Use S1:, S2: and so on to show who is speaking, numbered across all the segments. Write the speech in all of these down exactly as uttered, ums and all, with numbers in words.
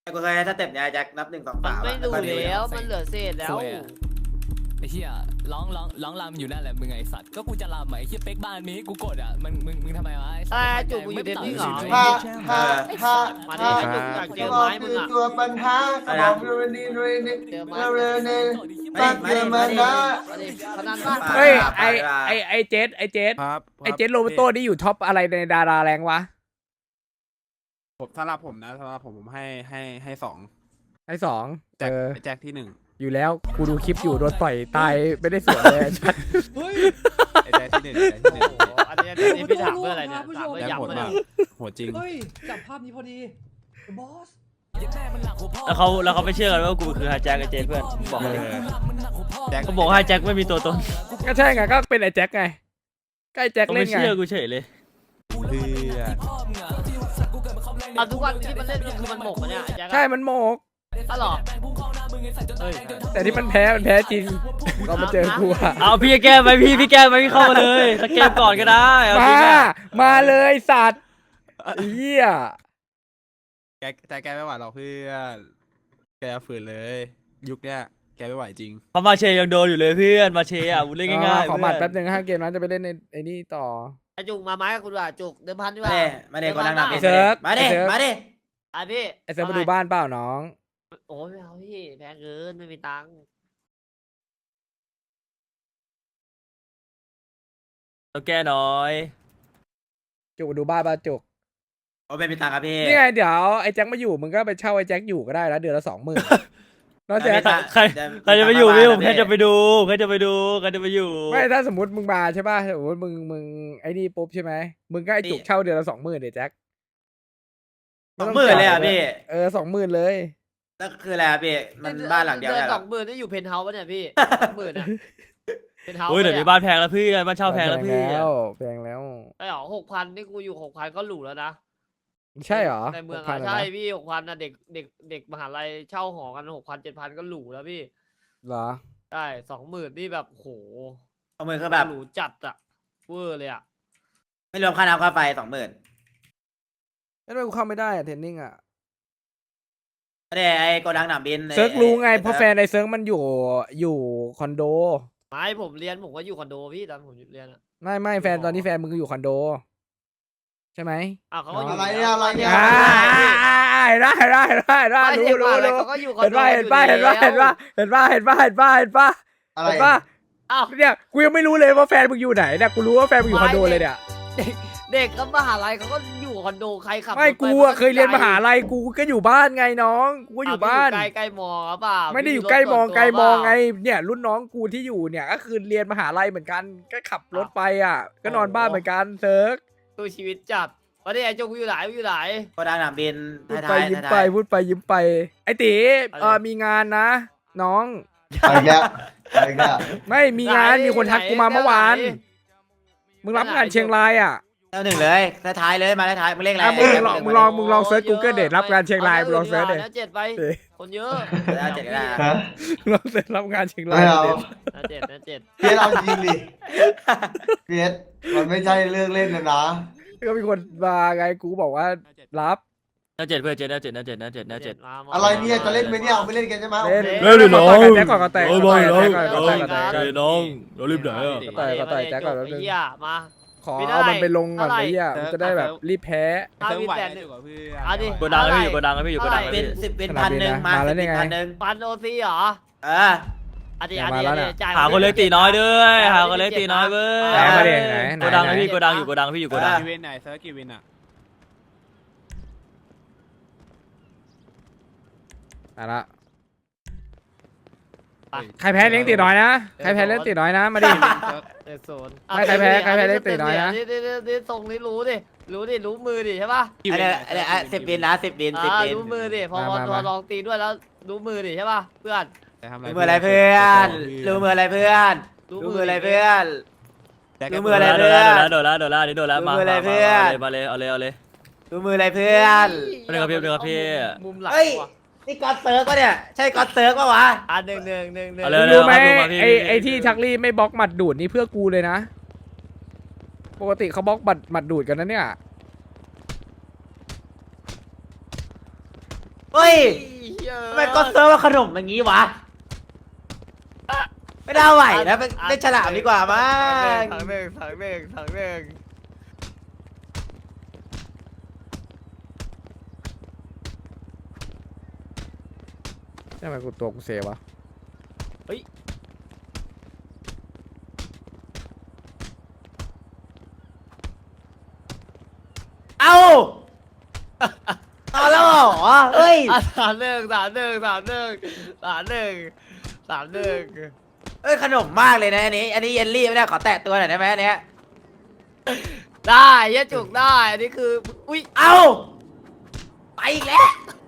S1: กูเคยให้สเต็ปเนี่ยแจ็คนับหนึ่งสอง
S2: มัน
S1: สาม
S2: ไม่ดูแล้วมันเหลือเศษแล้ว
S3: ไอ้เหี้ยร้องร้องร้องรำอยู่นั่นแหละมึงไอ้สัตว์ก็กูจะรำไอ้เหี้ยเป๊กบ้านมีกูกดอ่ะมึงมึงมึงทำไมวะ
S2: อะไรจุกกูอยู่เดนนี่เหรอ
S4: ถ้าถ้าถ้า
S2: มาดิไอ้จุกอยากเจอไม้มึงอ่ะ
S4: ตัวปัญหาสมองเรนีเรนี
S2: เจอไม้
S4: เรนี
S1: ไม่ไม่ไม่ไม่
S2: มาดิพนันบ้าน
S5: เฮ้ยไอไอไอเจสไอเจส
S6: ครับ
S5: ไอเจสโรเบโต้นี่อยู่ท็อปอะไรในดาราแรงวะ
S6: ผมสำหรับผมนะสำหรับผมผมให้ให้ให้สอง
S5: ไอสองเอ
S6: แจ็ค
S5: อ
S6: แจ็คที่หนึ่ง
S5: อยู่แล้วกูดูคลิปอยู่โดนต่อยตายไม่ได้สวนเลย
S6: ไอ้แจ็คที่หนึ่งแจ็คที่หนึ่ง
S2: โอ้โหอันนี้อันนี้พี่ถามเพื่ออะไรเนี่ยถามเพื่อ
S6: แจ็ค
S2: ย้ำ
S6: โหด
S2: มา
S6: มา
S2: เนี่ย
S6: กโหดจริง
S7: เฮ้ยจับภาพนี้พอดีบอส
S8: แล้วเขาแล้วเขาไม่เชื่อกันว่ากูคือไฮแจ็คไอเจนเพื่อนบอก
S6: เอ
S8: เลย
S6: อแจ็ค
S8: เขาบอกว่าไฮแจ็คไม่มีตัวตน
S5: ก็ใช่ไงก็เป็นไอแจ็คไงก็ไอแจ็ค
S8: เขา
S5: เล่
S8: ไม่
S5: นไง
S8: เชื่อกูเฉยเลย
S6: เพื่อ
S2: เอาทุกวันที่มันเล่นคือมันหมกปะเนี่ยไอ้แจ็ค
S5: ใช่มันโมก
S2: ถ้าหรอเฮ้ย
S5: แต่ที่มันแพ้มันแพ้จริงเรามาเจอกูอะ
S8: เอาพี่แก้ไหมพี่พี่แก้ไหมพี่เข้ามาเลยสเกมก่อนก็ได้เอา
S5: มา
S8: จริงอะ
S5: มาเลยสัตว์เหี้ย
S6: แกแจ็คแกไม่ไหวหรอกเพื่อนแกฝืนเลย ยุคเนี้ยแกไม่ไหวจริง
S8: เขามาเชยยังโดนอยู่เลยเพื่อนมาเชยอ่ะกูเล่นง่ายๆ
S5: ขอบัตร
S8: เพื่
S5: แป๊
S8: อน
S5: บนึงห้าเกมนั้นจะไปเล่นในไอ้นี่ต่อ
S2: ไอ้จุกมาไม้กับกูด้วยจุกเดิมพันดีก
S1: มา
S2: ว่า
S1: เด้มาเด้คนดังนับ
S5: ไอ้เซิร์ฟ
S1: มาเด้
S5: ไอ้เซิร์ฟ
S1: มาเด้
S2: อ่ะพี่
S5: ไอเซิร์ฟมาดูบ้านเปล่าน้อง
S2: โอ้ยไม่เอาพี่แพงเกินไม่มีตังค์
S8: ต้องแก้น้อย
S5: จุกมาดูบ้านป่ะจุก
S1: โอ้ไม่มีตังค์ครับพี่
S5: นี่ไงเดี๋ยวไอ้แจ็คมาอยู่มึงก็ไปเช่าไอ้แจ็คอยู่ก็ได้แล้วเดือนละสองหมื่นแล้วแจ็ค
S8: ใครใครจะไปอยู่พี่ผมแค่จะไปดูใครจะไปดูใครจะไปอยู่
S5: ไม่ถ้าสมมติมึงมาใช่ป่ะสมมติมึงมึงไอ้นี่ปุ๊บใช่ไหมมึงก็ไอ้จุกเช่าเดือนละสองหมื่นเดี๋ยวแจ็ค
S1: สองหมื่นเลยอ่ะพี่
S5: เออสองหมื่นเลย
S1: แล้วคืออะไรอ่ะพี่มันบ้านหลังเดียว
S2: เดื
S1: เนี่
S2: อย น
S1: เหร
S2: ส
S1: อ
S2: องหมื่นนี่อยู่เพนท์เฮาส์ปะเนี่ยพี่สองหมื่นอ่ะเพนท์เฮาส์
S8: โอ้ยเดี๋ยวนี้บ้านแพงแล้วพี่บ้านเช่าแพงแล้วพี่
S5: แพงแล้วแพงแล้ว
S2: ไอ้หรอหกพันนี่กูอยู่หกพันก็หรูแล้วนะ
S5: ใช่เหรอ
S2: ในเมือง
S5: หกพั
S2: อ่ะ
S5: น
S2: ใช่
S5: นะ
S2: พี่หกพันนะเด็กเด็กเด็กมหาลัยเช่าหอกันหกพันเจ็ดพันก็หรูแล้วพี่
S5: เหรอ
S2: ใช่สองหมื่นนี่แบบโห
S1: สองหมื่นคือแบบ
S2: หรูจัดอะเวอร์เลยอะ
S1: ไม่รวมค่าน้ำค่าไฟสองหมื่น
S5: แล้วทำไมกูเข้าไม่ได้อะเทรนนิ่งอะ
S1: ไม่ได้ไอ้โกดังหนามบิน
S5: เซิร์กรู้ไงเพราะแฟนไอ้เซิร์กมันอยู่อยู่คอนโด
S2: ไม่ผมเรียนผมก็อยู่คอนโดพี่ตอนผมเรียนอะ
S5: ไม่ไม่แฟนตอนนี้แฟนมึงอยู่คอนโด ใช่ไหม
S2: อ้าวเขาก็อยู่
S4: อะไรเนี่ยอะไรเนี่ย
S5: อ่าได้ได้ได้ได้รู้รู้
S2: อะไร
S5: รู้
S2: เขาก็อยู่คอน
S5: เห็น
S2: โด
S5: ป่ะเห็นป่ะเห็นป่ะเห็นป่ะเห็นป่ะเห็นป่ะเห็นป่ะเห็นป่ะ
S4: อะไร
S5: เห็นป่ะ
S2: อ้าว
S5: เนี่ยกูยังไม่รู้เลยว่าแฟนมึงอยู่ไหนเนี่ยกูรู้ว่าแฟนมึงอยู่คอนโดเลยเนี่ย
S2: เด็กก็มหาลัยเขาก็อยู่คอนโดใครขับ
S5: ไม่
S2: รถป
S5: กูอะเคยเรียนมหาลัยกูก็อยู่บ้านไงน้องกูก็อยู่บ้าน
S2: ใกล้ใกล้มอหรือเปล่า
S5: ไม่ได้อยู่
S2: รถ
S5: ใกล้มอง
S2: ส่วนตัว
S5: ไกลมองไง
S2: เปล่า
S5: เนี่ยรุ่นน้องกูที่อยู่เนี่ยก็คือเรียนมหาลัยเหมือนกันก็ขับรถไปอ่ะ ก็นอนบ้านเหมือนกันเซิร์ก
S2: ตัวชีวิตจัดวันนี้ไอ้โจกูอยู่ไหนกูอยู่ไหน
S1: โกดังหนามบิน
S5: พูดไป
S1: ท้าย
S5: ยิ้ม
S1: ๆ
S5: ไป
S1: ท้าย
S5: พูดไปยิ้มไป ไอ้ตีเออมีงานนะ น้อง
S4: อะไรเนี่ยอะไรเนี่ย
S5: ไม่มีงานมีคนทักกูมาเมื่อวานมึงรับงานเชียงรายอ่ะ
S1: ๆแล้วหนึ่งเลยท้ายๆเลยมาท้ายๆมึงเรียกอะไร
S5: อ่ะมึง
S1: ไอ้
S5: ลอง
S1: แจ็ค
S5: มึงลองมึงลองเซิร์ชกูเกิลเดทรับงานเชียงรายมึงลองเซิร์ชเด
S2: นะเจ็ดไป
S5: เดท
S2: คนเยอะ
S1: เอาเจ็ดก็ได้
S4: ฮะ
S5: ลองเซิร์ชรับงานเชียงรา
S4: ไม่
S5: ย
S4: เอา
S5: เดท
S2: นะเจ็ดนะเจ็ด
S4: เพียรเอาจริงดิเพียรมันไม่ใช่เรื่องเล่นนะนะ
S5: ก็มีคนมาไงกูบอกว่ารับ
S8: น่าเจ็ดเพื่อนเจ็ดน่าเจ็ดน่าเจ็ดน่าเจ็ดน่าเจ็ด
S2: มามา
S4: อะไรเนี่ยจะเล่นไหมเนี่ยเอาไปเล่นกันใช่ไหม
S5: เล่น
S8: เล่นดิน้อง
S5: แจ็คก่อนก็แตก
S8: โอ้ย
S5: ก่
S8: บ
S5: อ
S8: อน ย
S5: แต
S8: น้อง
S5: กก่อนก็แตกก่อนแตก
S8: ใจน้องเรารีบไหนอ่ะ
S5: ต่อยก็ต่อยแจ็คก่อนแป๊บนึง
S2: ไอ้เหี้ยมา
S5: ขอเอามันไปลงก่อนไอ้เหี้ยมันจะได้แบบรีบแพ้
S2: เอา
S6: เซิร์ฟ
S2: วิน
S6: ไหว
S2: แปด
S6: อยู่กับเพื่อน
S2: เอาดิ
S8: โกดังแล้วพี่อยู่โกดังแล้วพี่อยู่โกดังแล้ว
S1: เป็น
S8: พี่
S1: สิบเป็นพันหนึ่งมาสิบเป็นพันหนึ่ง
S2: ปันโอซีเหรอ
S1: เออ
S2: อันนี้อันนี้อันนี้จ่าย
S8: หาคนเล็กตีน้อยด้วยหาคนเล็กตีน้อยเว้ย
S5: ไหนมาดิไหนไหน
S8: โกดัง
S5: ไหน
S8: แล้วพี่โกดังอยู่โกดังพี่อยู่โกดัง
S6: กี่วินไหนเซิร์ฟกี่วินอ่ะ
S5: อ่ะละใครแพ้เลี้ยงตีน้อยนะใครแพ้เลี้ยงตีน้อยนะมาดิ
S2: เออโซน
S5: ไม่ใครแพ้ใครแพ้เล็กตีน้อยนะ
S2: นี่นี่นี่นี่ทรงนี้รู้ดิรู้ดิรู้มือดิใช่ป่ะ
S1: อันนี้อันนี้สิบบินนะสิบบินสิบ
S2: อ่า
S1: บิน
S2: รู้มือดิพอ
S5: มา
S2: พอ
S5: มา
S2: พอลองตีด้วยแล้วรู้มือดิใช่ป่ะเพื่อน
S1: รู้มืออะไรเพื่อนรู้มืออะไรเพื่อนรู้มืออะไรเพื่อน รู้มืออะไร
S8: โดนแล้วโดนแล้วโดนแล้วนี่โดนแล้วมา
S1: รู้มืออะไรเพื่อน
S8: มาเลยเอาเลยเอาเลย
S1: รู้มืออะไรเพื่อน
S8: เดี๋ยวครับพี่เดี๋ยวครับพี่
S2: มุมหลัง
S1: เฮ้ย
S2: ว่ะ
S1: นี่ก๊อตเซิร์กปะเนี่ยใช่ก๊อตเซิร์กปะวะ
S2: อ่ะหนึ่งหนึ่งหนึ่งหนึ่ง
S8: เอาเลย
S5: รู้ไหม
S8: เอาเลยเอาเลย
S5: ไอไอที่ชักลี่ไม่บล็อกหมัดดูดนี่เพื่อกูเลยนะ ปกติเขาบล็อกบัดหมัดดูดกันนะเนี่ย
S1: เฮ้ย
S2: เหี้ย
S1: ทำไมก็เซิร์ฟว่าขนมอย่างงี้วะไม่ได้ไหวนะเป็นเล่นฉลามดีกว่ามั้ง
S2: ถังหนึ่งถังหนึ่งถังหนึ่ง
S5: ทำไมกูตัวกูเซวะ
S1: เอาเอาแล้วเหรอเฮ้ย
S2: อ่ะสามหนึ่งสามหนึ่งสามหนึ่งสามหนึ่งสามหนึ่ง
S1: เอ้ยขนมมากเลยนะอันนี้ อันนี้เยลลี่ไม่ได้ขอแตะตัวหน่อยได้ไหมอันเนี้ย
S2: ได้เหี้ยจุกได้อันนี้คืออุ้ย
S1: เอาไปอีกแล้ว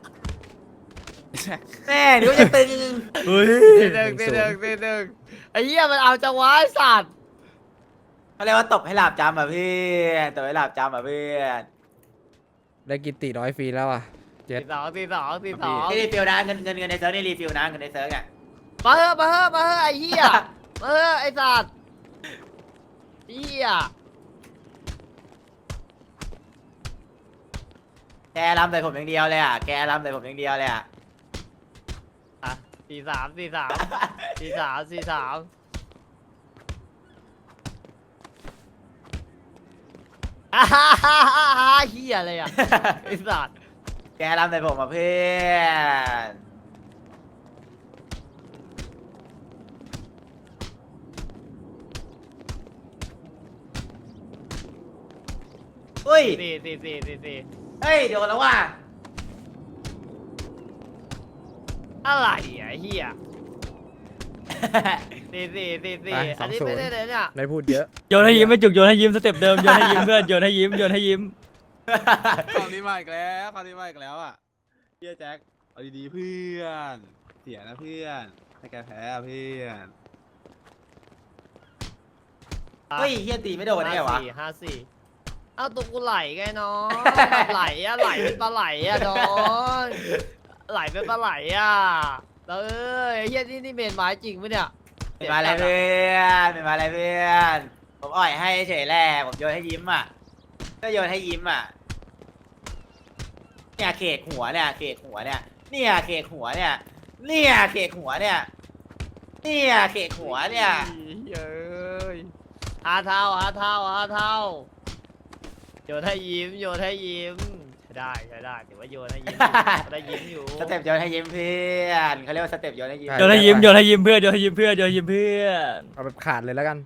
S1: แม่เดี๋ยวจะตึง
S8: เฮ้ย
S2: ตีหนึ่งตีหนึ่งตีหนึ่งไอ้เหี้ยมันเอาจังหวะไอ้สัตว์
S1: เขาเรียกว่าตบให้หลาบจำอ่ะพี่ตบให้หลาบจำอ่ะเพื่อน
S5: ได้กินตีน้อยฟรีแล้วอ่ะเจ็ด
S2: ตีสองตีสองตีสอง
S1: นี่รีฟิลนะเงินเงินเงินในเซิร์ฟนี่รีฟิลนะเงินในเซิร์ฟอ่ะ
S2: มาเถอะมาเถอะมาเถอะไอ้เหี้ยมาเถอะไอ้สัตว์เหี้ย
S1: แกรำใส่ผมอย่างเดียวเลยอ่ะแกรำใส่ผมอย่างเดียวเลยอ่ะ
S2: อ่ะสี่สามสี่สามสี่สามสี่สามอ่าฮ่าฮ่าฮ่าฮ่าเหี้ยอะไรอ่ะไอ้สัตว์
S1: แกรำใส่ผมอ่ะเพื่อนอุ้ย
S2: สี่สี่สี่สี่สี่
S1: เฮ้ยเดี๋ยวแล้วว่ะ
S2: อะไรอ่ะไอ้เหี้ยสี่สี่สี่สี่อันนี้ไม่ได้เลยเนี่ย
S5: ไม่พูดเยอะ
S8: โยนให้ยิ้มไม่จุกโยนให้ยิ้มสเต็ปเดิมโยนให้ยิ้มเพื่อนโยนให้ยิ้มโยนให้ยิ้ม
S6: คำนี้มาอีกแล้วคำนี้มาอีกแล้วอ่ะเฮียแจ็คเอาดีๆเพื่อนเสียนะเพื่อนถ้าแกแพ้อะเพื่อน
S1: เฮ้ยเฮียตีไม่โดนได้ไงวะ
S2: ห้าสี่ห้าสี่เอ้าตัวกูไหลไงน้องไหลอะไหลเป็นปลาไหลอะน้องไหลเป็นปลาไหลอะแล้วเอ้ยไอ้เฮียนี่นี่เมนไม้จริงปะเนี่ย
S1: เป็นมาอะไรเพื่อนเป็นมาอะไรเพื่อนผมอ่อยให้เฉยแหละผมโยนให้ยิ้มอ่ะก็โยนให้ยิ้มอ่ะเนี่ยเขกหัวเนี่ยเขกหัวเนี่ยเนี่ยเขกหัวเนี่ยเนี่ยเขกหัวเนี่ยเนี่ยเขกหัวเนี่ย
S2: เย้ยห้าเท่าห้าเท่าห้าเท่าโยนให้ยิ้มโยนให้ยิ้มใช้ได้ใช้ได้ถือว่าโยนให้ยิ้มได้ยิ้มอยู่
S1: สเต็ปโยนให้ยิ้มเพื่อนเขาเรียกว่าสเต็ปโยนให้ยิ้ม
S5: ใช่
S8: โยนให้ยิ้มโยนให้ยิ้มเพื่อนโยนให้ยิ้มเพื่อนโยนให้ยิ้มเพื่อน
S5: เอาแบบขาดเลยแล้วกัน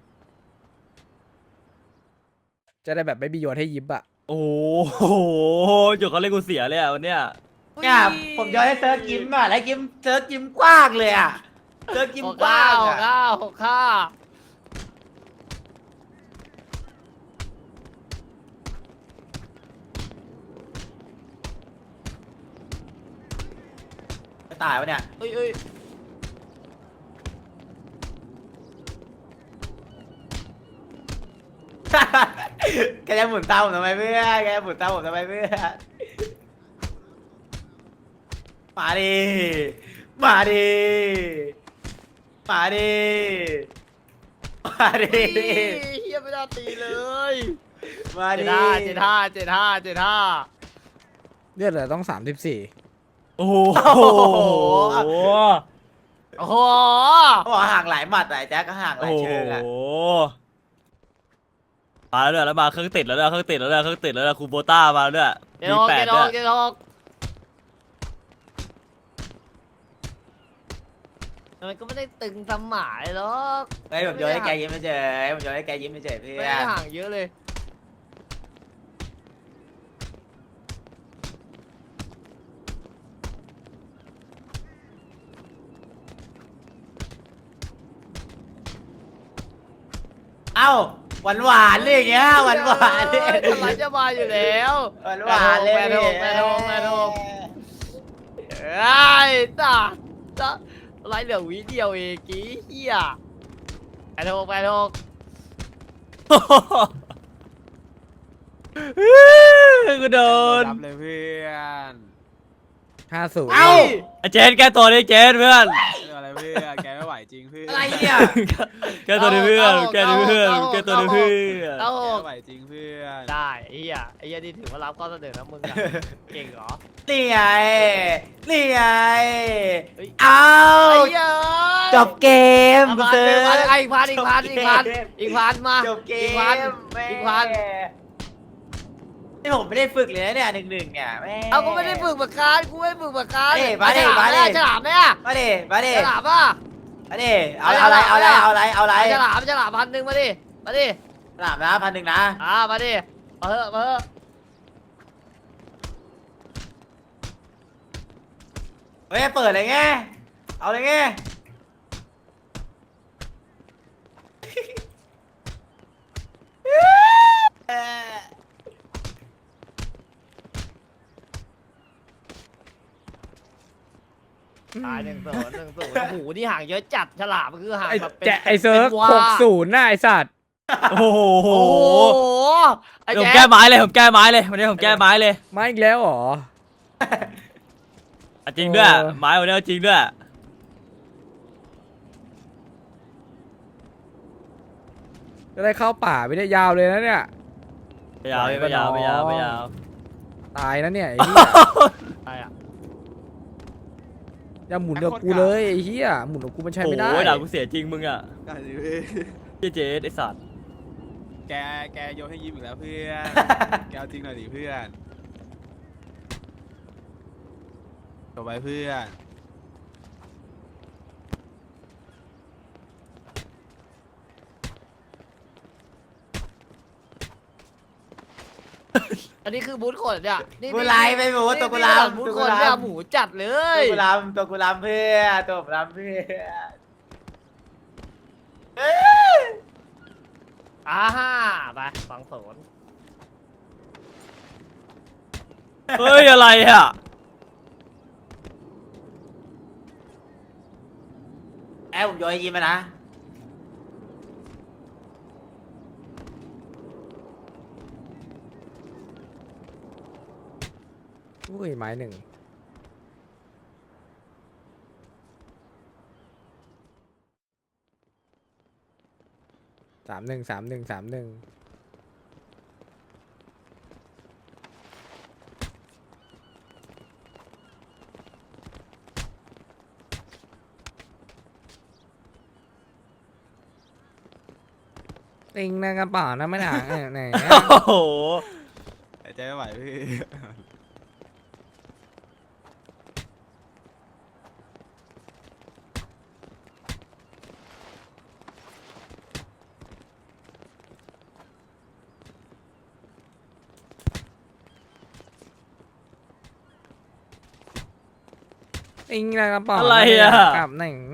S5: จะได้แบบไม่มีโยนให้ยิ้มอ่ะ
S8: โอ้โหจุกเขาเล่นกูเสียเลยอ่ะวันเนี้ย
S1: เนี่ยผมโยนให้เซิร์ฟยิ้มอ่ะแล้วยิ้มเซิร์ฟยิ้มกว้างเลยอ่ะเซิร์ฟยิ้ม
S2: หก
S1: กว้า
S2: ข้าง หก
S1: อ่ะ
S2: ข้าหกข้า
S1: จะตายวะเนี่ย
S2: เอ้ยเอ้ย
S1: แกจะหมุนตามผมทำไมเพื่อนแกจะหมุนตามผมทำไมเพื่อนมาดิมาดิมาดิมาดิ
S2: เฮียไม่ได้ตีเลย
S1: มา
S2: เจ็
S1: ดิ
S2: ดห้าเจ็ดห้าเจ็ดห้าเจ็ดห้า
S5: เลือดเหลือต้องสามสิบสี่
S8: โอ้โห
S2: โอ้โห
S1: เขาบอกห่างหลายหมัดแต่แจ็คก็ห่างห
S8: โอ้
S1: ลาย
S8: โห
S1: เชิงอ่ะ
S8: มาแล้วด้วยแล้วมาเครื่องติดแล้วด้วยเครื่องติดแล้วด้วยเครื่องติดแล้วด้วยคูโบต้ามาแล้วด้วย
S2: เจ็ด
S8: มี
S2: หก
S8: แป
S2: เจ็
S8: ด
S2: ดห
S8: ด้ว
S2: ก
S8: ย
S2: เจ็ดหกมันก็ไม่ได้ตึงสมหมายหรอก
S1: เฮ้ยผมโยนให้แกยิ้มไม่เฉยผมโยนให้แกยิ้มไม่เฉยเพื่
S2: ไม่
S1: อ
S2: ได้
S1: น
S2: ห่างเยอะเลย
S1: เอ้าหวานหวานๆเลยอย่างเงี้ยหวานหวานๆเลย
S2: ทำไมจะมาอยู่แล้ว
S1: หวานหวานๆเลย
S2: แปดหกแปดหกแปดหกไอ้ตาตาไรเหลือวิเดียวเองกี้เฮียแปดหกแปดหก
S8: กูโดน
S6: รับเลยเพื่อน
S5: ห้าศูนย์
S1: เอ้า
S8: ไอ้เจนแกตัวนี้เจนเพื่อน
S6: เรื่องอะไรเพื่อนแกไม่ไหวจริงเพื่อน
S1: อะไรเนี่ย
S8: แกตัวนี้เพื่อนแกตัวนี้เพื่อนแกตัวนี้เพื่อน
S2: เก้าหก
S6: ไหวจริงเพื่อน
S2: ได้ไอ้เหี้ยไอ้เหี้ยนี่ถือว่ารับข้อเสนอนะมึงอะเก่งเหรอ
S1: นี่ไงนี่ไง
S2: เฮ้ย
S1: เอา
S2: ไอ้เหี้ย
S1: จบเกม
S2: เอา
S1: กู
S2: พัน
S1: ซื้อ
S2: หนึ่งพันไอ้อีกพันอีกพันอีกพันอีกพันมา
S1: จบเก
S2: อี
S1: ม
S2: กพัน
S1: แม่
S2: อีกพัน
S1: นี่ผมไม่ได้ฝึกเลยนะเนี่ยหนึ่งหนึ่งเนี่ยแม่
S2: เอากูไม่ได้ฝึกเหมือนกันกูไม่ได้ฝึกเหมือนกัน
S1: เอ้ยมาดิ
S2: ฉล
S1: มาดิ
S2: ฉลามไหมอะ
S1: มาดิมาดิ
S2: ฉลามป่ะ
S1: มาดิเอาเอาอะไรเอาอะไรเอาอะไรเอาอะไร
S2: ฉลามฉลามพันหนึ่งมาดิมาดิ
S1: สนามนะพันหนึ่งนะ
S2: อ่ามาดิมาเถอะมาเถอะ
S1: เฮ้ยเปิดเลยไงเอาเลยไงเอ้ย
S2: ตายหนึ่งศูนย์หนึ่งศูนย์โอ้โหนี่ห่างเยอะจัดฉลามมันคือห่าง
S5: ไอ้
S2: แบบเป็น
S5: แจะไอ้เซิร์ฟ
S2: ป็นวา
S5: หกศูนย์น่ะไอ้สัตว์
S8: โอ้โห
S2: โอ้โหไอ้
S8: ผม
S2: แจ๊
S8: แก้
S2: ค
S8: ไม้เลยผมแก้ไม้เลยวันนี้ผมแก้ไม้เลย
S5: มาอีกแล้วเหรอ
S8: อ่ะจริงด้วย
S5: เออ
S8: ไม้วันนี้เอาจริงด้วย
S5: จะได้เข้าป่าไม่ได้ยาวเลยนะเนี่ย
S8: ไม่ยาวไม่ยาวไม่ยาวไม่ยาว
S5: ตายนะเนี่ยไอ้เหี้ย
S2: ใช่อะ
S5: อย่าหมุนกับกูเลยไอ้เหี้ยหมุนกับกูมันใช้ไม่ได้
S8: โอ้ยด่ากูเสียจริงมึงอ่ะ
S6: ได้ดิเว้ย
S8: เจ๊เจ๊ไอสัตว์
S6: แกแกโยนให้ยิ้มอีกแล้วเพื่อน แกเอาจริงหน่อยดิเพื่อนจบไปเพื่อน
S2: อันนี้คือบูธขนเนี่ยนี่
S1: กูไลฟ์ไปหมูตัวกูลาม
S2: บูธ
S1: ตัว
S2: ข
S1: กู
S2: น
S1: ลา
S2: เนี่ย
S1: ม
S2: หมูจัดเล
S1: ตัวย กูลามตัวกูลามเพื่อตัวกูลามเพื่อเอ้ย
S2: อ่าฮ่าไปฟังโสน
S8: เฮ้ยอะไรอ่ะ
S1: แอบผมโยนให้ยิ้มมานะ
S5: อุ้ยไม้หนึ่งสามหนึ่งสามหนึ่งสามหนึ่งติงในกระเป๋านะไม่หนังไหน
S8: โอ้โห
S6: หายใจไม่ไหวพี่
S5: ติงในกระเป๋า
S8: อะไรอ่ะ
S5: กับหนึ่ง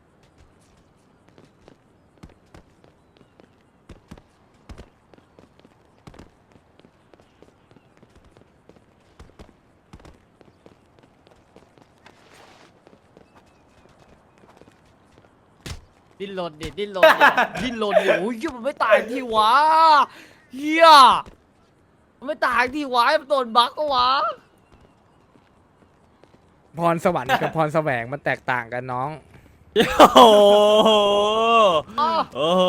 S2: ดิ้นรนดิดิ้นรนดิดิ้นรนดิโอ้ยเหี้ยมันไม่ตายที่วะเฮียมันไม่ตายที่วะมันโดนบั๊กก็วะ
S5: พรสวรรค์กับพรแสวงมันแตกต่างกันน้อง
S8: โอ้โห
S2: อ้าว
S8: โอ้โห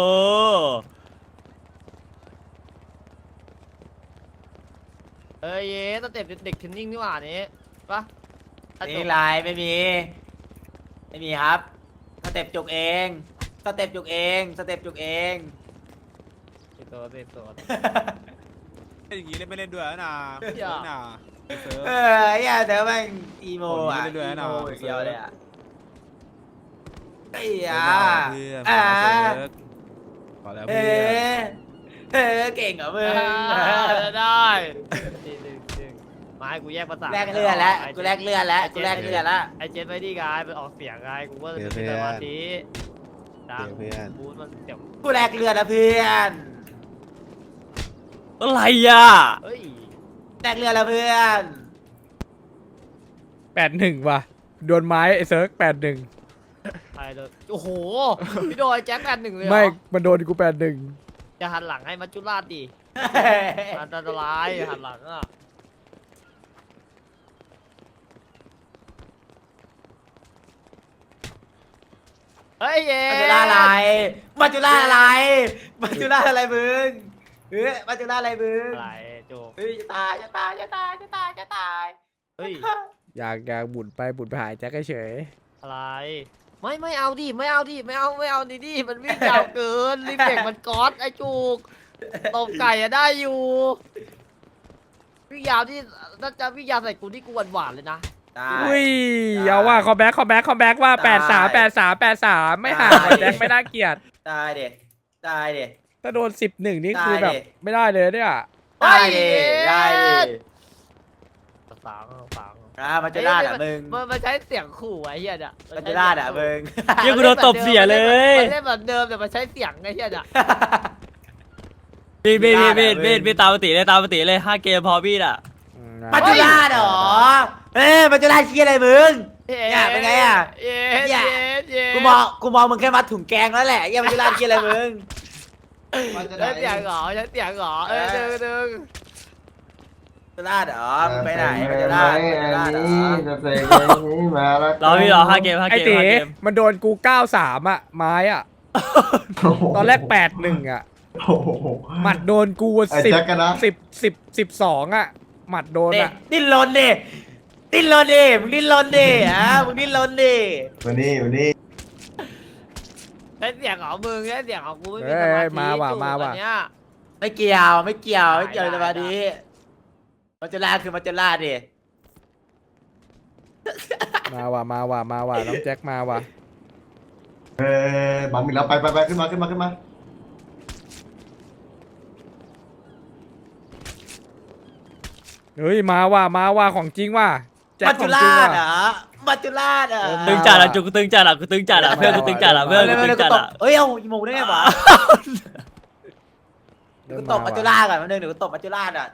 S2: เอ้ยเย้ตั้งแต่เด็กเทรนนิ่งนี่หว่านี้ปะอ่ะจ
S1: นี่
S2: บ
S1: ไลน์ไม่มี ไม่มีครับ สเต็ปจุกเอง สเต็ปจุกเอง สเต็ปจุกเอง
S2: เจ็บตัวเจ็บตัว
S6: เล่นอย่างนี้เล่นไม่เล่นด้วยนะ
S2: อย่า
S6: เล่นนะเซิร์ฟ
S1: เออไอ้เหี้ยเดี๋ยวแม่งอีโมอ่ะ
S6: โอ้ยเรื่อยๆ
S1: อี
S6: นะ
S1: โมอย่างเดียวเลยอ่ะไอ้
S6: เพื่
S1: ยา
S6: เพื่อน
S1: อ่า
S6: พอแล้ว
S1: เอ
S6: เพื่อน
S1: อเออเก่งเหรอมึง
S2: อ่าได้ดึงดึงดึงมาให้กูแยกภาษา
S1: แลกเลือดแล้ว
S2: ไอ้
S1: กูแลกเลือดแล้วกูแลกเลือดแล้ว
S2: ไอเจนไม่ดีกายไปออกเสียงไงกูว่าจะเป็นสมาธิดังบูธมันเดี๋ยว
S1: กูแลกเลือดแล้วเพื่อน
S8: อะไรอ่ะ
S2: เฮ้ย
S1: แลกเลือดแล้วเพื่อน
S5: แปดหนึ่งว่ะโดนไม้ไอ้เซิร์ฟแปดหนึ่ง
S2: ใครเลยโอ้โหพี่โดยแจ็คแปดหนึ่งเลยเหรอ
S5: ไม่มันโดนกูแปดหนึ่ง
S2: จะหันหลังให้มัจจุราชดิอันตรายหันหลังอ่ะเฮ้ยเย้
S1: มาจุฬาอะไรมาจุฬาอะไรมาจุฬาอะไรมึงเฮ้ยมาจุฬาอะไรมึง
S2: อะไรโจก
S1: เฮ้ยจะตายจะตายจะตายจะตายจะตาย
S2: เฮ้ย
S5: อยากอยากบุญไปบุญไปหายแจ็คเฉย
S2: อะไรไม่ไม่เอาดิไม่เอาดิไม่เอาไม่เอาดิดิมันวิ่งยาวเกินรีเฟกมันก๊อตไอ้จุกตบไก่อะได้อยู่วิ่งยาวที่น่าจะวิ่งยาวใส่กูที่กูหวานหวานๆเลยนะ
S1: ตา
S5: ๆ
S1: ย
S5: อุ้ย
S1: ได้
S5: เอาว่าคอมแบ็คคอมแบ็คคอมแบ็คว่า
S1: ได้
S5: แปดสามแปดสามแปดสามไม่ห่าง
S1: ได้
S5: แจ็คไม่น่าเกลียด
S1: ตายเด็ตายเด็
S5: ถ้าโดนสิบหนึ่งนี่คือ
S1: ได้
S5: แบบ
S1: ดิ
S5: ไม่ได้เลยเนี่ย
S1: ได้เด็ได้เด็
S2: ฟังฟัง
S1: อ่ามาจุฬาอ่ะมึง
S2: มันมันใช้เสียงขู่ไอ้เหี้ยเนี่ย
S1: มาจุฬาอ่ะมึง
S8: เฮียกูโดนตบเสียเลย
S2: มันเล่นแบบเดิมแต่มันใช้เสียงไอ้เหี้ยเนี่ย
S8: บีดบีดบีดบีดบีดตามปกติเลยตามปกติเลยห้าเกมพอบีดอ่ะ
S5: อืม
S1: มาจุฬาเหรอเอ้ยมาจุฬาเชียอะไรมึง เนี่ยเป็นไงอะ
S2: เย้
S1: เนี่
S2: เย้
S1: ย
S2: เย้
S1: กูมองกูมองมึงแค่มัดถุงแกงแล้วแหละยังมาจุฬาเชียอะไรมึง
S4: มันจะ
S2: ใช้
S4: ได้
S2: เสียงเหรอใช้เสียงเหรอเออดึงดึง
S1: จุฬาเหรอมึงไปไหนมาจุฬา
S4: ไอ้
S1: มาจุฬาเหร
S4: นี่
S1: อ
S4: จะเสกอันนี้มาแล้ว
S8: รอพี่รอห้าเกมห้า
S5: ไอ
S8: เกม
S5: ตี
S8: ห้าเกม
S5: มันโดนกูเก้าสามอ่ะไม้อ่ะ ตอนแรกแปดหนึ่งอ่ะ
S4: โอ้โห
S5: หมัดโดนกู
S4: ไอ้
S5: สิบ
S4: แจ็คกันนะ
S5: สิบสิบสิบสองอ่ะ หมัดโดน
S1: เด็
S5: อ่ะ
S1: ดิ้นรนดิดิ้นรนดิมึงดิ้นรนดิอ่ะมึงดิ้นรนดิ
S4: วันนี้วันนี้
S2: ใช้เสียงของมึงใช้เสียงของกูไม่มี
S5: เอ้
S2: ส
S5: ย
S2: มาธิ
S5: มาว่ะ
S2: จูบ
S5: มาว่ะ
S2: อันเนี้ย
S1: ไม่เกี่ยวไม่เกี่ยวไม่เกี่ยว
S2: ได้
S1: เลยมา
S2: ได้
S1: ดีมาจุฬาคือมาจุฬาดิ
S5: มาว่ะมาว่ะมาว่ะน้องแจ็คมาว่ะ
S4: เออบัมอีกแล้วไปไปไปขึ้นมาขึ้นมาขึ้นมา
S5: เฮ้ยมาว่ะมาว่ะของจริงว่ะแจ็ค
S1: มา
S5: ข
S1: จุ
S5: อง
S1: ฬา
S5: จริงว่ะ
S1: เหรอมาจุฬาเหรอ
S8: ตึงจัดอ่ะจุกกูตึงจัดอ่ะกูตึงจัดอ่ะเพื่อนกูตึงจัดอ่ะเพื่อนกูตึงจัดอ่ะ
S1: เอ้ยเอาอีโมได้ไงวะ
S5: เริ่
S1: กู
S5: ม
S1: ต
S5: มา
S1: บมาจุ
S5: ว่ะ
S1: ฬาก่อนมาหนึ่งเดี๋ยวกูตบมาจุฬาอ่ะ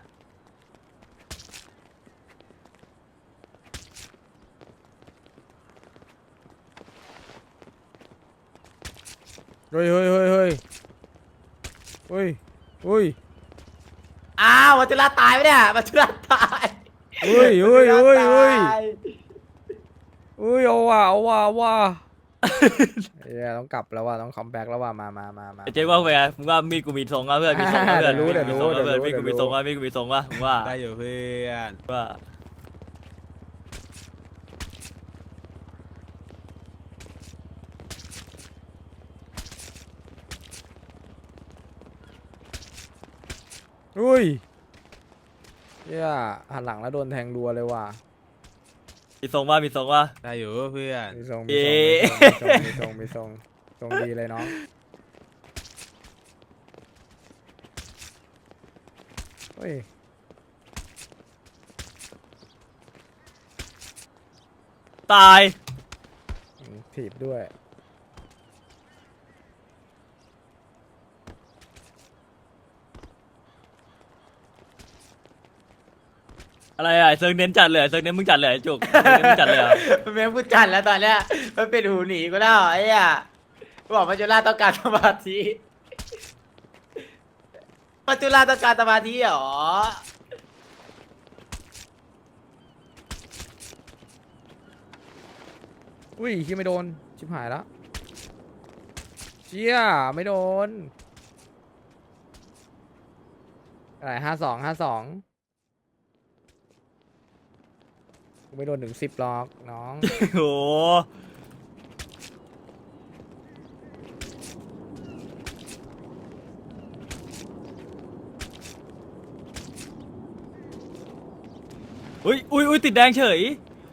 S5: เฮ้ยเฮ้ยเฮ้ยเฮ้ยเฮ้ยเฮ้ย
S1: อ้าวมาจุฬาตายไปเนี่ยมาจุฬาตาย
S5: เฮ้ยเฮ้ยเฮ้ยเฮ้ย
S1: ตาย
S5: เฮ้ยเอาว่ะเอาว่ะเอาว่ะเฮ้ยต้องกลับแล้วว่ะต้องคัมแบ็กแล้วว่ะมามามามา
S8: เจ๊ว่าเป็นไงมึงว่ามีดกูมีทรงอ่ะเพื่อนมีทรงอ่ะเพื่อน
S5: เดี๋ยวรู้เดี๋ยวรู้
S8: มีทรงอ่ะเพื่อน
S5: เดี๋
S8: มี
S5: ยวรู้
S8: ดกูมีทรงอ่ะมีดกูมีทรงอ่ะมึงว่า
S6: ได้อยู่เพื่อน
S8: ว่า
S5: อุ้ยเฮียหันหลังแล้วโดนแทงรัวเลยว่ะ
S8: มีทรงว่ามีทรงว่า
S6: ได้อยู่เพื่อน
S5: มีทรง
S8: เอ๊
S5: มีทรง
S8: ะ
S5: มีทรงมีทรงมีทรงทรงดีเลยน้องเฮ้ย
S8: ตาย
S5: ถีบด้วย
S8: อะไรอ่ะเซิร์งเน้นจัดเลยเซิร์งเน้นมึงจัดเลยจุกเซิร์งเน้นมึงจัดเลยเหรอ
S1: มันเป็นผู้จัดแล้วตอนเนี้ยมันเป็นหูหนีกูแล้วไอ้เหี้ยกูบอกมาจุฬาต้องการสมาธิมาจุฬาต้องการสมาธิเหรอ
S5: อุ้ยที่ไม่โดนชิบหายแล้วเชี่ยไม่โดนอะไรห้าสองห้าสองกูไม่โดนถึงสิบหรอกน้อง
S8: โอ้โหอุ้ยอุ้ยอุ้ยติดแดงเฉย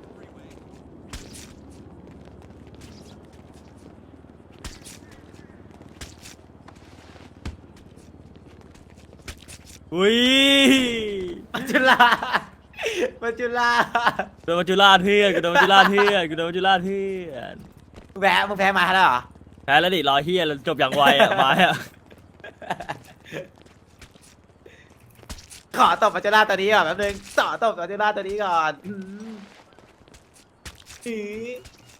S8: อุ้ย
S1: มาจุฬามาจุฬา
S8: โดนมัจจุราชเพื่อนกูโดนมัจจุราชเพื่อนกูโดนมัจจุราชเพื่อน
S1: มึงแพ้มึงแพ้มาแล้วเหรอ
S8: แพ้แล้วดิรอเฮียแล้วจบอย่างไวอ่ะมาอ่ะ
S1: ขอตบมาจุฬาตัวนี้ก่อนแป๊บนึงต่อตบมาจุฬาตัวนี้ก่อนอืมอือ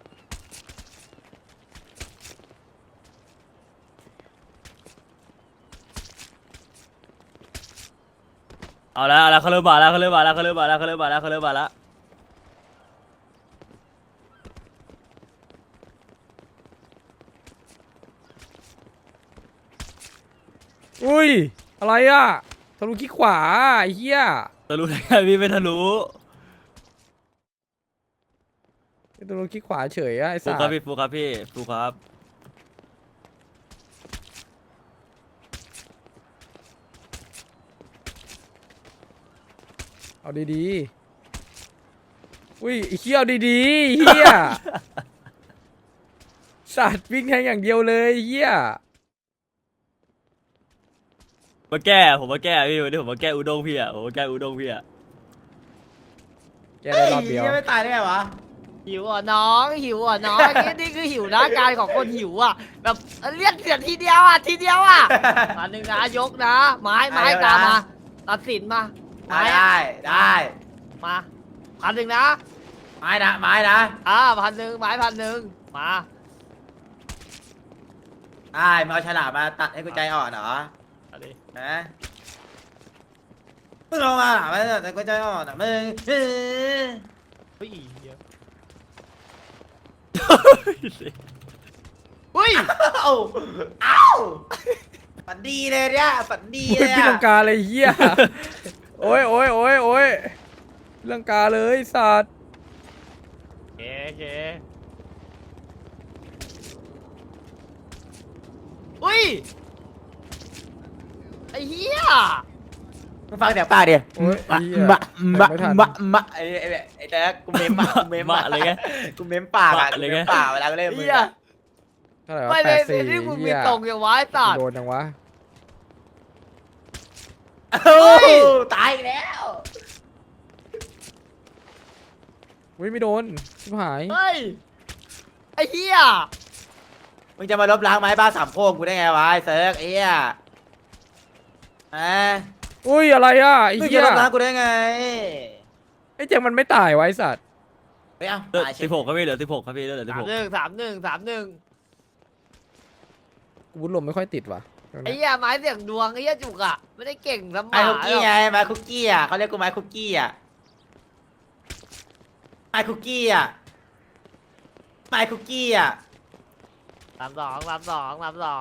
S8: เอาละเอาละเขาเริ่มมาแล้วเขาเริ่มมาแล้วเขาเริ่มมาแล้วเขาเริ่มมาแล้วเขาเริ่มมาแล้ว
S5: อุ้ยอะไรอ่ะทะลุขี้ขวาไอ้เหี้ย
S8: ทะลุได้ไงพี่ไม่ทะลุ
S5: ทะลุขี้ขวาเฉยอ่ะไอ้
S8: ฟู
S5: สั
S8: ครับ
S5: ส
S8: พี่ฟูครับพี่ฟูครับ
S5: เอาดีๆอุ้ยไอ้เหี้ยเอาดีๆไอ้เหี้ย สัตว์วิ่งแทงอย่างเดียวเลยไอ้เหี้ย
S8: มาแก้ผมมาแก้พี่วันนี้ผมมาแก้อุด้งพี่อะผมมาแก้อุด้งพี่อะ
S5: แกได้รอบเดียว
S1: ฮ้ยังไม่ตายได้ไงวะ
S2: หิวอ่ะน้องหิวอ่ะน้องนี่นี่คือหิวนะการของคนหิวอ่ะแบบเรียกเสียงทีเดียวอ่ะทีเดียวอ่ะมาหนึ่งนะยกนะไม้ไม้ตามมาตัดสินมาไม้
S1: ได้ได้
S2: มาพันหนึ่งนะ
S1: ไม้นะไม้นะ
S2: อ่าพันหนึ่งไม้พันหนึ่งมา
S1: ได้มาเอาฉลามมาตัดให้กูใจอ่อนเหรอ
S2: เอาดิ
S1: ฮะมึงลงมาไม่ตัดให้กูใจอ่อนอ่ะมึงเฮ้ย
S2: เฮ้ยเหี้ยเฮ้ย
S1: เอ้าเอ้าฝันดีเลยเนี่ยฝันดี
S5: อุ้
S1: เลย ย
S5: พี่
S1: อะ
S5: ลังกาเลยเหี้ย โอ้ยโอ้ยโอ้ยโอ้ยพี่ลังกาเลยสัตว์
S2: โอเคโอเคอุ้ยไอ้เหี้ย
S1: มึงฟังเสียงปากดิ
S5: โอ้ยไอ้
S1: มะ
S5: เหี้ย
S1: มะมะ
S5: ไม่ทัน
S1: มะมะไอ้ไอ้ไอ้แจ๊คกูเม้มอะกูเม้ม
S8: มะอะไรเงี้ย
S1: กูเม้มปากอะ
S8: มะอะไร
S1: กู
S8: เงี้
S1: เม้
S8: ย
S1: มปากเวลากูเล่นมึง
S2: เหี้ย
S1: อะ
S5: เท่าไหร่วะ
S2: ไม่
S5: แป
S2: เลย
S5: ดสี่
S2: ที่มึงมี
S5: เหี้ย
S2: ตรงอย่างวะไอ้สัตว์
S5: โดนยังวะ
S1: โอ้ยตายอีกแล้ว
S5: อุ้ยไม่โดนชิบหาย
S2: เฮ้ยไอ้เหี้ย
S1: มึงจะมาลบล้างไม้บ้าสามโค้งกูได้ไงวะไอ้เซิร์กไอ้เหี้ยฮะ
S5: อุ้ยอะไรอ่ะไอ้
S1: มึง
S5: เหี้
S1: จะ
S5: ย
S1: ลบล้างกูได้ไง
S5: ไอ้เจงมันไม่ตายไวะไอ้สัตว์
S1: เฮ้ยเอ้า
S8: เหลือ
S1: ตายเฉ
S8: สิ
S1: ย
S8: บหกครับพี่เหลือสิบหกครับพี่เหลือสิบ
S2: สา
S8: ห
S2: ม
S8: ก
S2: หนึ่งสามหนึ่งสามหนึ่ง
S5: กูบุญลมไม่ค่อยติดว่ะ
S2: ไอ้เหี้ยไม้เสียงดวงไอ้เหี้ยจุกอะไม่ได้เก่งสม
S1: ไม้
S2: ห
S1: คุก
S2: มา
S1: กี้
S2: หรอก
S1: ไงไม้คุกกี้อ่ะเขาเรียกกูไม้คุกกี้อ่ะไม้คุกกี้อ่ะไม้คุกกี้อ่ะ
S2: สามสองสามสองสามสอง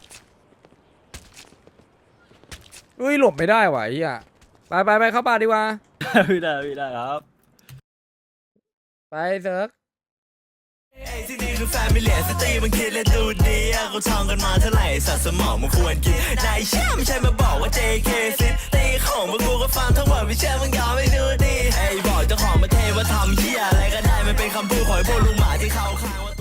S5: อุ้ยหลบไม่ได้ว่ะไอ้เหี้ยไปไปไปเข้าป่าดีกว่า
S8: พี่ได้พี่ได้ครับ
S5: ไปเซิร์ก
S9: ไอ้ที่นี่คือแฟมิเลียสตรีมันคิดและดูดีอะเขาท่องกันมาเท่าไหร่สัตว์สมองมันควรกินนายเชื่อไม่ใช่มาบอกว่า เจ เค ซิตีของมากูก็ฟังทั้งหมดไม่เชื่อมึงยอมไม่ดูดีไอ้บอกเจ้าของประเทศว่าทำเหี้ยอะไรก็ได้มันเป็นคำพูดของไอ้พวกลุงหมาที่เขาข้างว่า